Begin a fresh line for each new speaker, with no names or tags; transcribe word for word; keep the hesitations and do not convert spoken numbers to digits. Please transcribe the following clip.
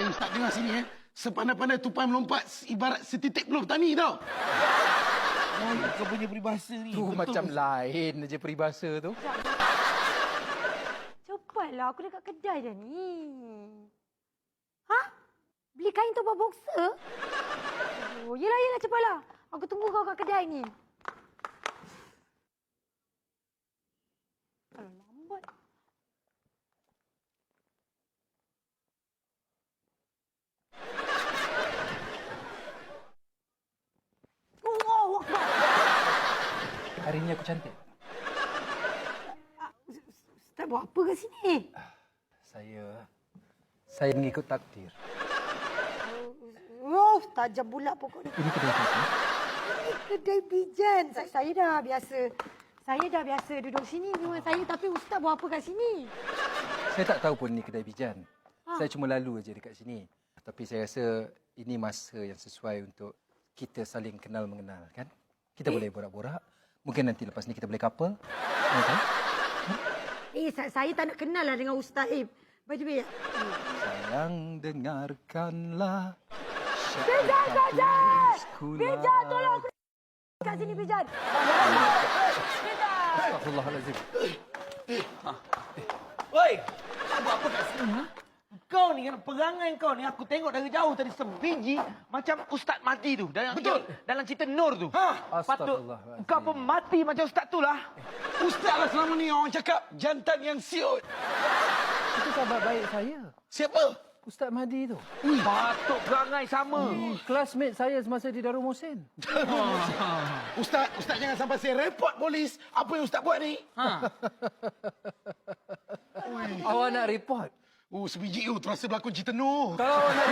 Eh, Ustaz dengar sini eh. Sepandai-pandai tupai melompat ibarat setitik peluh petani tau.
Lain kau punya peribahasa ni.
Tu macam lain je peribahasa tu.
Cepatlah, aku dekat kedai dah ni. Ha? Beli kain untuk buat boxer? Oh, yelah, yelah, cepatlah. Aku tunggu kau kat kedai ni. Kalau lambat. Oh, Akbar.
Hari ni aku cantik.
Ustaz buat apa kat sini?
Saya... Saya mengikut takdir.
Oh, tajam pula pokok ni.
Ini kedai siapa?
Ini kedai pijan. Saya, saya dah biasa. Saya dah biasa duduk sini dengan saya. Tapi Ustaz buat apa kat sini?
Saya tak tahu pun ni kedai pijan.
Ha.
Saya cuma lalu aja dekat sini. Tapi saya rasa ini masa yang sesuai untuk kita saling kenal mengenal, kan? Kita eh? boleh borak-borak. Mungkin nanti lepas ni kita boleh couple. Okay?
Eh, saya, saya tak nak kenal lah dengan Ustaz. Eh, by the way.
Sayang, dengarkanlah.
Pijan, Pijan! Pijan, tolong aku kat sini, Pijan. Pijan!
Astagfirullahalazim.
Oi, kau buat apa kat sini? Ha? Kau ni kan, perangai kau ni, aku tengok dari jauh tadi sebiji macam Ustaz mati tu. Dalam,
Betul.
Dalam cerita Nur tu.
Ha?
Patut
Astagfirullahalazim.
kau pun mati macam Ustaz tu lah.
Ustaz lah selama ni orang cakap jantan yang siut.
Itu sahabat baik saya.
Siapa?
Ustaz Mahdi tu.
Ui, patut perangai sama.
Hmm, classmate saya semasa di Darul Mohsin.
Ustaz, Ustaz jangan sampai saya report polis. Apa yang Ustaz buat ni?
Ha.
Awak nak report?
Oh, sebiji tu terasa berlakon cerita Noh.
Kalau awak nak